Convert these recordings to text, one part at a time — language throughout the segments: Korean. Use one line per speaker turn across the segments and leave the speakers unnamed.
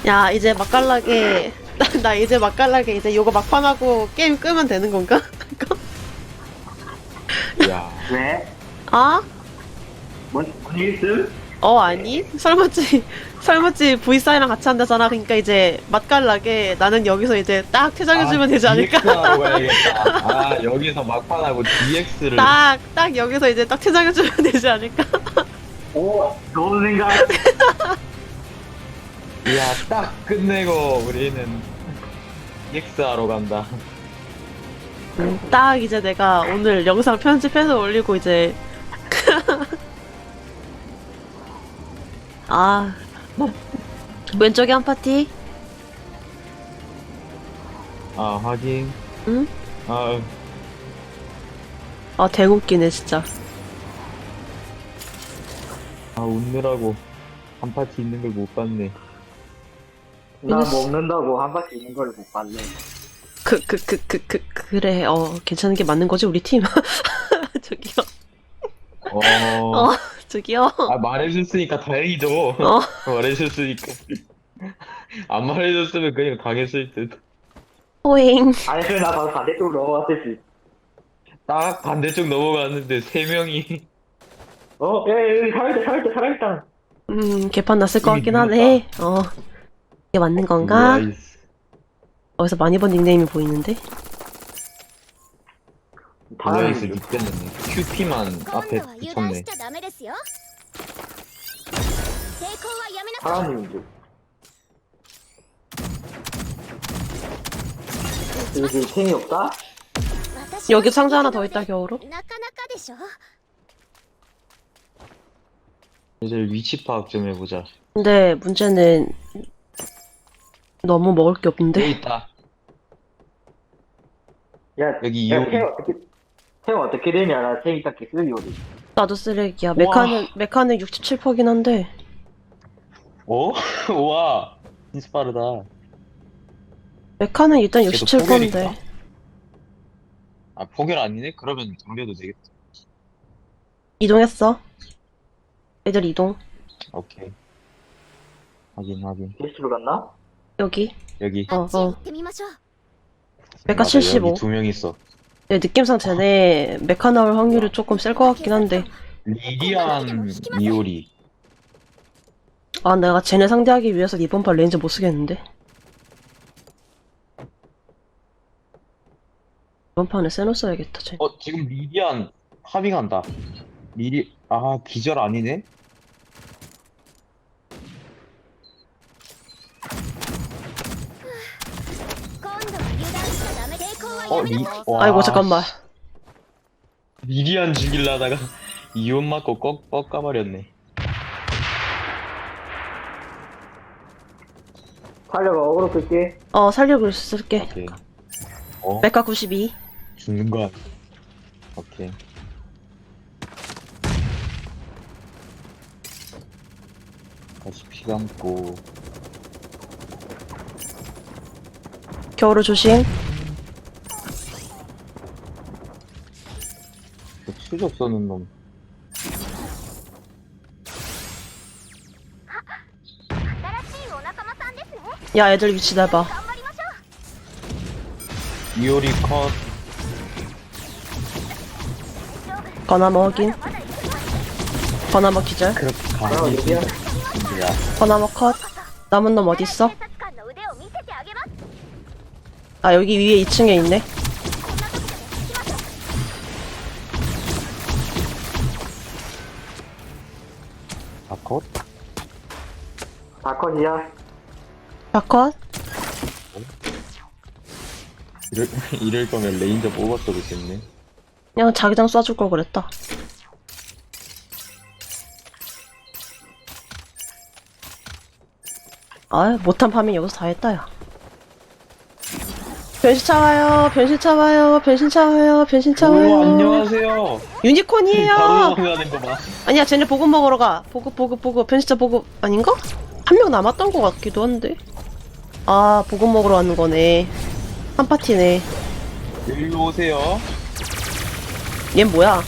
야, 이제 맛깔나게, 나 이제 맛깔나게 이제 요거 막판하고 게임 끄면 되는 건가?
야,
왜?
아?
뭔 일 있음?
아니? 설맞지 V4랑 같이 한다잖아. 그러니까 이제 맛깔나게 나는 여기서 이제 딱 퇴장해주면 되지 않을까?
DX하러 가야겠다. 아, 여기서 막판하고 DX를.
딱 여기서 이제 딱 퇴장해주면 되지 않을까?
오, 좋은 생각.
야, 딱 끝내고 우리는 DX하러 간다.
딱 이제 내가 오늘 영상 편집해서 올리고 이제 아 왼쪽에 한 파티?
아, 하긴.
응?
아,
아 대웃기네 진짜.
웃느라고 한 파티 있는 걸 못 봤네.
나 먹는다고 한 바퀴 있는 걸 못 봤네.
그래 괜찮은 게 맞는 거지 우리 팀. 저기요. 저기요.
아, 말해줬으니까 다행이죠. 말해줬으니까. 안 말해줬으면 그냥 당했을 듯.
호잉.
아니, 그래, 나 바로 반대쪽으로 넘어갔을지.
딱 반대쪽 넘어갔는데 세 명이.
여기 살아있다.
개판 났을 것 같긴
이미
하네. 이게 맞는 건가?
나이스.
어디서 많이 본 닉네임이 보이는데?
나이스 닉됐네. QP만 앞에 붙였네.
사람님인지. 여기 탱이 없다?
여기 상자 하나 더 있다 겨우로.
이제 위치 파악 좀 해보자.
근데 문제는 너무 먹을 게
여기
없는데?
있다.
야,
여기
야,
이호리.
탱 어떻게 되냐? 나 탱이 딱 쓰기 요리.
나도 쓰레기야.
우와.
메카는 67%긴 한데.
어? 우와. 진짜 빠르다.
메카는 일단
쟤도
67%인데.
포결인가? 아, 포결 아니네? 그러면 돌려도 되겠다.
이동했어. 애들 이동.
오케이. 확인.
게스트로 갔나?
여기.
여기.
메카
맞아,
75.
여기 두 명 있어.
네, 느낌상 쟤네 메카 나올 확률이 조금 셀 것 같긴 한데.
리디안 미오리.
아, 내가 쟤네 상대하기 위해서 이번 판 레인저 못 쓰겠는데? 이번 판에 세노 써야겠다, 쟤.
지금 리디안 합의간다. 기절 아니네? 와.
아이고, 잠깐만.
리디안 죽일라다가 이온 맞고 꺾어버렸네.
살려가 어그로 끌게.
살려고 쓸게.
오케이.
메카 92.
죽는 거야. 오케이. 다시 피 감고.
겨울을 조심.
그 수적 써는 놈.
야, 애들 위치 내봐.
미오리 컷.
거나머 확인. 거나머 기절.
그렇게
아,
가는 게
여기야?
진짜야.
거나머 컷. 남은 놈 어딨어? 아, 여기 위에 2층에 있네.
아, 컷?
다컷이야?
다 컷.
이럴 거면 레인저 뽑았어도 됐네.
그냥 자기장 쏴줄 걸 그랬다. 아, 못한 파밍 여기서 다 했다, 야. 변신차 와요, 변신차 와요, 변신차 와요, 변신차 와요.
오, 안녕하세요.
유니콘이에요!
바로 넘어가는 거 봐.
아니야, 쟤네 보급 먹으러 가. 보급. 변신차 보급, 아닌가? 한 명 남았던 것 같기도 한데. 아, 보급 먹으러 왔는 거네. 한 파티네.
일로 오세요.
얜 뭐야?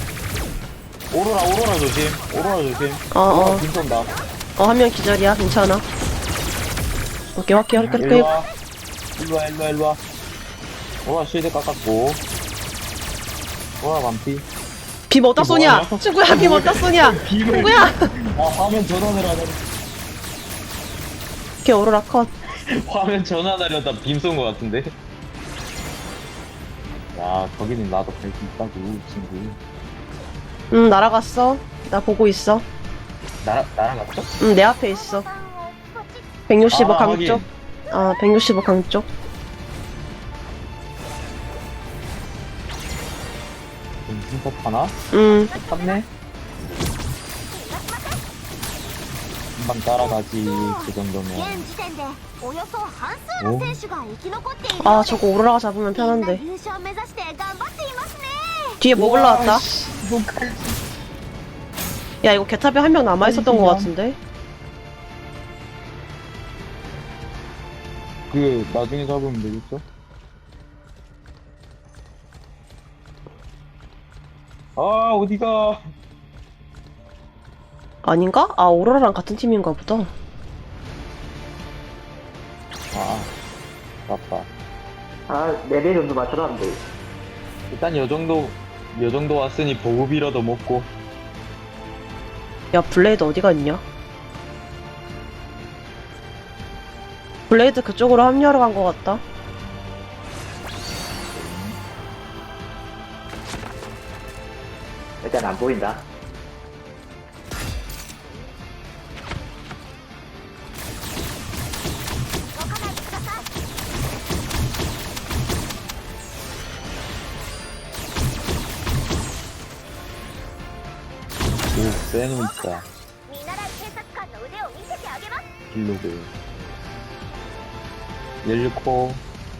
오로라 조심. 오로라 조심.
어.
빈 쏜다.
한 명 기절이야, 괜찮아. 오케이, 오케이, 오케이, 오케이.
일로와. 일로와, 일로와, 일로와. 와, 실드 깎았고. 와, 만피.
빔 어디다 쏘냐?
뭐하냐?
친구야, 빔 어디다 쏘냐?
빔을.
친구야!
아, 화면 전환을 하려.
오케이, 오로라 컷.
화면 전환하려다 빔 쏜 것 같은데? 야, 거기는 나도 갈 수 있다고, 친구.
날아갔어. 나 보고 있어.
날아갔어?
내 앞에 있어. 165
아,
강쪽. 아, 165 강쪽.
진짜 타나? 탔네? 금방 따라가지, 그 정도면.
現時点でおよそ半数の選手が生き残っている
아, 저거 오로라가 잡으면
みんな
편한데.
優勝目指して頑張っていますね
뒤에 뭐 올라왔다? 야, 이거 개탑에 한 명 남아있었던 것 같은데?
그, 나중에 잡으면 되겠죠? 아, 어디가?
아닌가? 아, 오로라랑 같은 팀인가 보다.
아, 맞다.
아, 4배 정도 맞춰놨는데.
일단 요 정도 왔으니 보급이라도 먹고.
야, 블레이드 어디가 있냐? 블레이드 그쪽으로 합류하러 간 것 같다.
일단 안 보인다.
오, 쎄는 있다.
見習い警察官の腕を見せてあげます
길로그. 열코.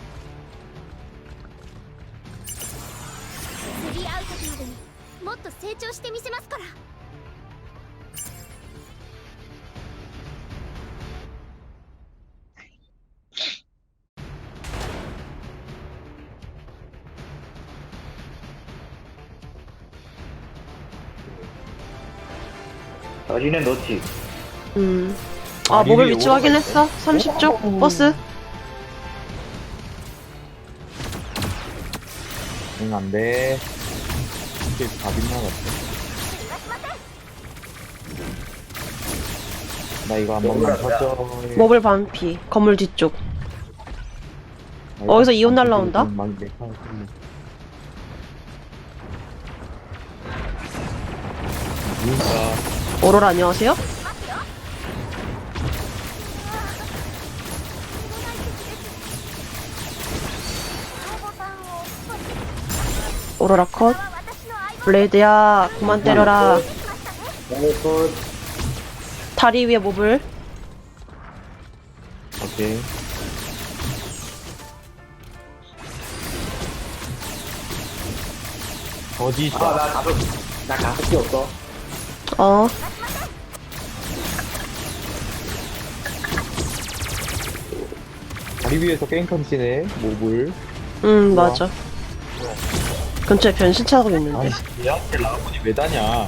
釣り合う時までにもっと成長してみせますから
저지는 놓지.
아,
아니,
모빌
위에
위치
오로라
확인했어? 30쪽? 버스?
응, 안 돼. 이게 답이 나갔어. 나 이거 한 번만 터져.
모빌 반피. 건물 뒤쪽. 어디서 이온 날라온다?
누가
오로라 안녕하세요? 오로라 컷. 블레이드야, 그만 때려라. 다리 위에 모블.
오케이. 거짓.
아, 나 가습기 없어.
어.
다리 위에서 깽컨 치네. 몹을.
맞아. 근처에 변신차가 있는데.
아이씨, 얘한테 라운이 왜 다냐.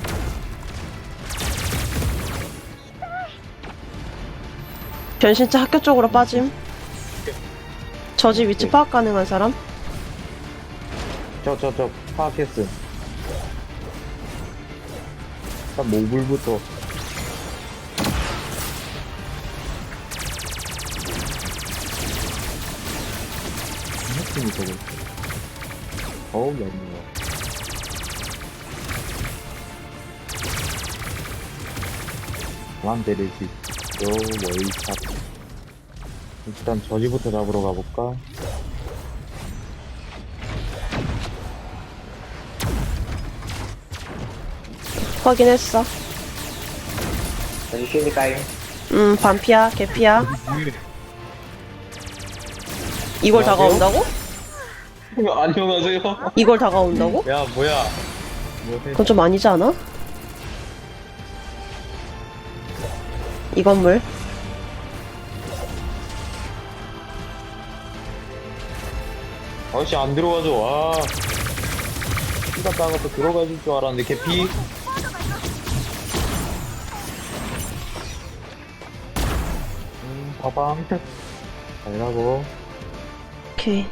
변신차 학교 쪽으로 빠짐. 저지 위치 파악 가능한 사람?
저 파악했음. 일단 모블부터. 핵심이 저거. 어우, 얄미워. 그만 때릴 수 있어. 월샷. 일단 저지부터 잡으러 가볼까?
확인했어.
다시 쉬니까요.
반피야, 개피야. 이걸 다가온다고?
안녕하세요.
이걸 다가온다고?
야, 뭐야. 뭐 해?
그건 좀 아니지 않아? 이 건물.
아저씨 안 들어가죠. 와. 피가 따가서 들어가줄 줄 알았는데 개피. 봐방. 잘하고.
오케이.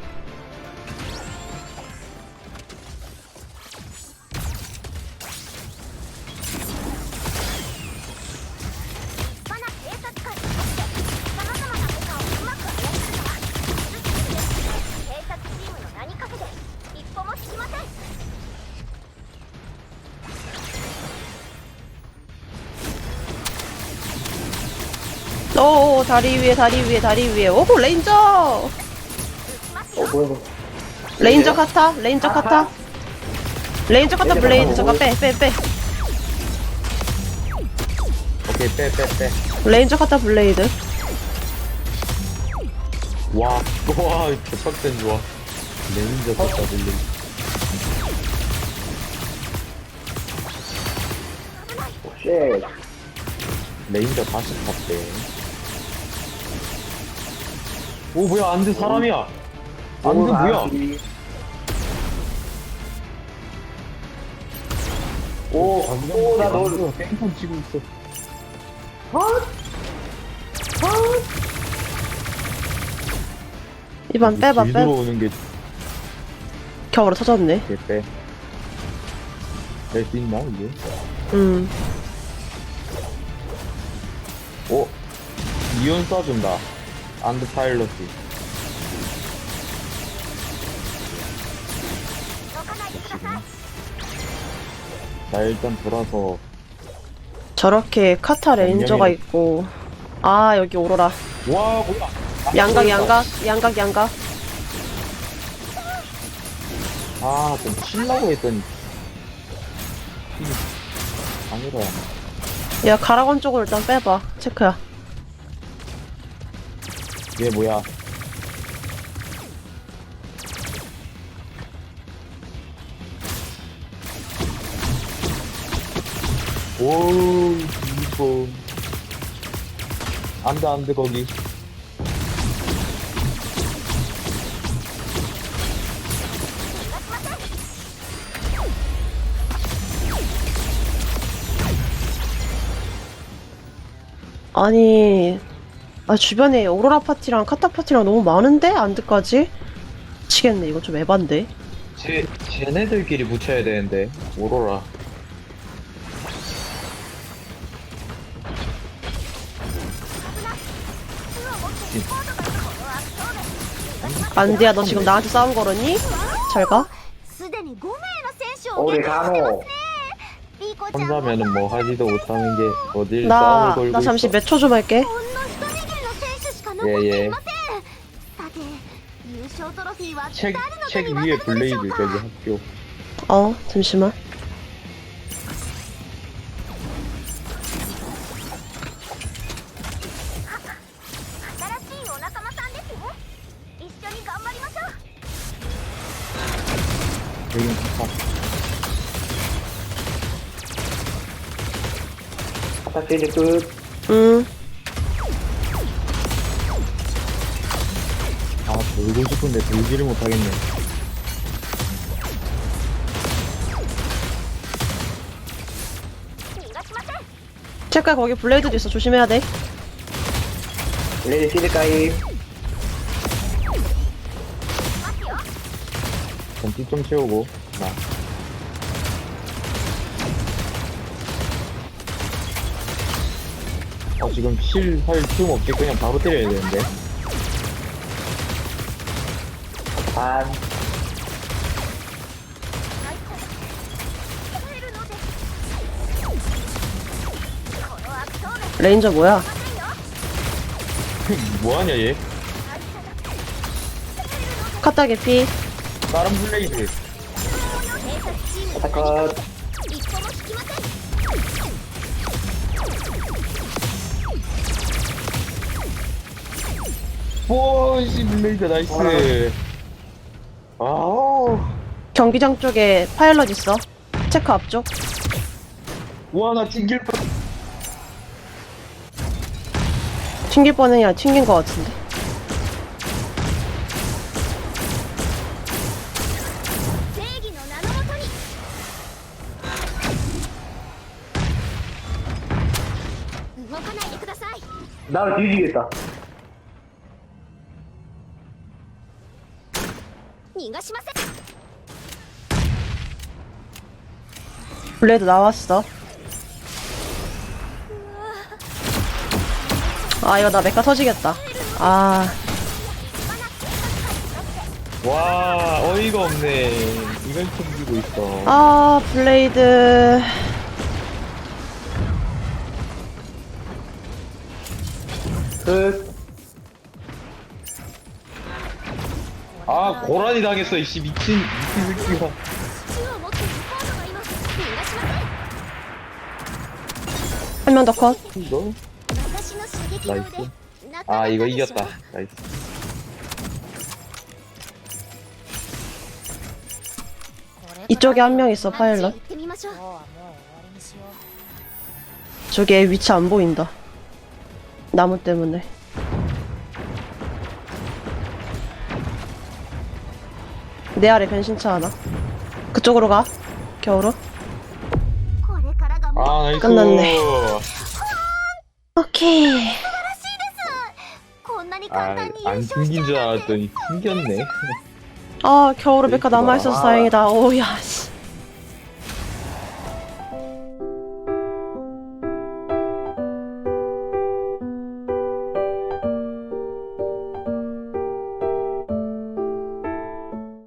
오, 다리 위에, 다리 위에, 다리 위에. 오호, 레인저!
뭐야.
레인저 카타, 레인저 카타. 레인저 카타, 블레이드저가 빼, 빼, 빼.
오케이, 빼.
레인저 카타, 블레이드.
와, 개빡센 좋아. 레인저 떴다, 빌리.
쉣.
레인저 다시 탔대. 오, 뭐야, 안돼, 사람이야. 안돼, 뭐야.
나 너.
뺑판 치고 있어.
이번 빼봐,
길
빼.
들어오는 게
겨울에 터졌네.
빼. 뺄 수 있나, 이게? 오, 이온 쏴준다. 안드 파일럿이. 자, 일단 돌아서.
저렇게 카타 레인저가 있고. 아, 여기 오로라.
와, 뭐야.
양각, 양각, 양각, 양각.
아, 좀 치려고 했더니. 아니라.
야, 가라건 쪽으로 일단 빼봐. 체크야.
얘 뭐야. 오우, 이거. 안 돼, 거기.
아니, 아, 주변에 오로라 파티랑 카타 파티랑 너무 많은데? 안드까지? 미치겠네. 이거 좀 에반데.
쟤네들끼리 붙여야 되는데, 오로라.
안드야, 너 지금 나한테 싸움 걸었니? 잘 가.
すでに5名の選手を
오래
撃破してます
가노.
ねリコちゃん
혼자면은 뭐 하지도 못하는 게 어딜 싸움을
나
걸고
잠시
있어.
몇 초 좀 할게.
ほんの一握りの選手しか残っていませんさて優勝トロフィーは
책,
誰の手
책
に
위에
渡るのでしょ
블레이드
うか
저기 학교.
어, 잠시만.
여긴 카타.
아타시리 끝.
아, 돌고 싶은데 돌지를 못하겠네.
체크야, 거기 블레이드도 있어. 조심해야 돼.
레디 시드까이.
전기 좀 채우고. 나. 지금 할 틈 없이 그냥 바로 때려야 되는데.
반.
레인저 뭐야?
뭐하냐, 얘?
카타 개피.
다른 블레이드.
아타컷.
뽀시 블레이드 나이스. 아우.
경기장 쪽에 파일럿 있어. 체크 앞쪽.
와, 나 튕길 뻔.
튕길 뻔해. 아니라 튕긴 것 같은데.
나를 뒤지겠다.
逃がしません。
블레이드 나왔어. 아 이거 나 메카 터지겠다. 아
와, 어이가 없네. 이걸 챙기고 있어.
아, 블레이드.
끝.
아, 고라니 당했어, 이씨. 미친 새끼가.
銃を持っているコードがいます。逃がしません。
한 명 더 컷.
이거?
私の射撃場で
나이스.
なかな
아,
か
이거
でしょ
이겼다. 나이스.
これから
이쪽에 한 명 있어, 파일럿.
あっちへ行ってみましょう。
저기 위치 안 보인다. 나무 때문에. 내 아래 변신차 하나. 그쪽으로 가. 겨울아.
これからがもう
아, 나이스.
끝났네. 오케이.
こんなに
아,
簡単に優
안
勝し
튕긴
ちゃ
줄
うなんて
알았더니 튕겼네.
아 겨울아 메카 남아있어서
아.
다행이다. 오야 씨.